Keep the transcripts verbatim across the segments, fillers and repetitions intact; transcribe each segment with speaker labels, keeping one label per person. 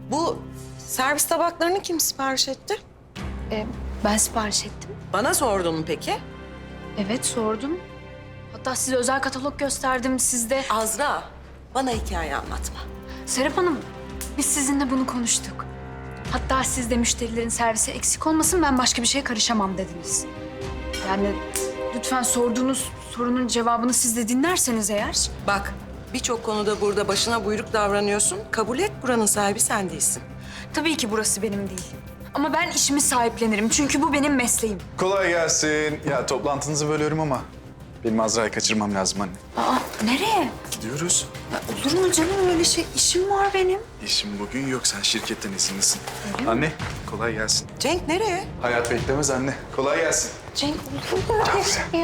Speaker 1: Bu servis tabaklarını kim sipariş etti?
Speaker 2: Ee, ben sipariş ettim.
Speaker 1: Bana sordun mu peki?
Speaker 2: Evet, sordum. Hatta size özel katalog gösterdim. Siz de...
Speaker 1: Azra, bana hikaye anlatma.
Speaker 2: Serap Hanım, biz sizinle bunu konuştuk. Hatta siz de müşterilerin servise eksik olmasın, ben başka bir şeye karışamam dediniz. Yani lütfen sorduğunuz sorunun cevabını siz de dinlerseniz eğer...
Speaker 1: Bak, birçok konuda burada başına buyruk davranıyorsun. Kabul et, buranın sahibi sen değilsin.
Speaker 2: Tabii ki burası benim değil. Ama ben işimi sahiplenirim çünkü bu benim mesleğim.
Speaker 3: Kolay gelsin. Ya toplantınızı bölüyorum ama benim Azra'yı kaçırmam lazım anne.
Speaker 2: Aa, nereye?
Speaker 3: Gidiyoruz.
Speaker 2: Ya olur mu canım öyle şey? İşim var benim.
Speaker 3: İşim bugün yok. Sen şirketten izinlisin. Anne, kolay gelsin.
Speaker 1: Cenk nereye?
Speaker 3: Hayat beklemez anne. Kolay gelsin.
Speaker 2: Cenk olur mu öyle şey ya?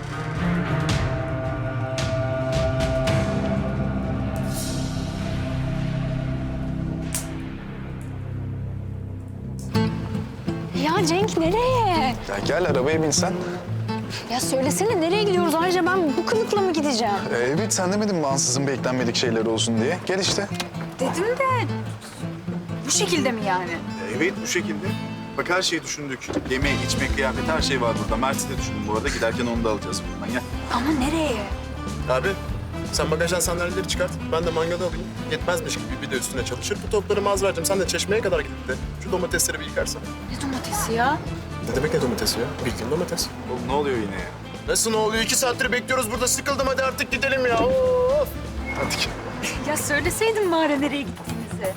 Speaker 2: Ya Cenk nereye?
Speaker 3: Ya gel arabaya binsen.
Speaker 2: Ya söylesene nereye gidiyoruz? Ayrıca ben bu kılıkla mı gideceğim?
Speaker 3: Ee, evet sen demedin mi ansızın beklenmedik şeyler olsun diye. Gel işte.
Speaker 2: Dedim de bu şekilde mi yani?
Speaker 4: Evet bu şekilde. Bak her şeyi düşündük. Yeme, içme, kıyafet her şey var burada. Mert'i de düşündüm bu arada. Giderken onu da alacağız buradan. Gel.
Speaker 2: Ama nereye?
Speaker 5: Abi sen bagajdan sandalyeleri çıkart. Ben de mangalı alayım. Yetmezmiş gibi bir de üstüne çalışır. Bu topları Mazver'cim sen de çeşmeye kadar gidip de şu domatesleri bir yıkarsan.
Speaker 2: Ne domatesi ya?
Speaker 5: Ne demek ne domatesi ya? Bildiğin domates.
Speaker 4: Oğlum ne oluyor yine ya?
Speaker 5: Nasıl ne oluyor? İki saattir bekliyoruz burada. Sıkıldım hadi artık gidelim ya. Of!
Speaker 3: Hadi gel.
Speaker 2: Ya söyleseydin bari nereye gittiğinizi.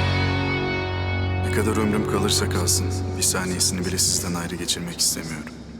Speaker 3: Ne kadar ömrüm kalırsa kalsın bir saniyesini bile sizden ayrı geçirmek istemiyorum.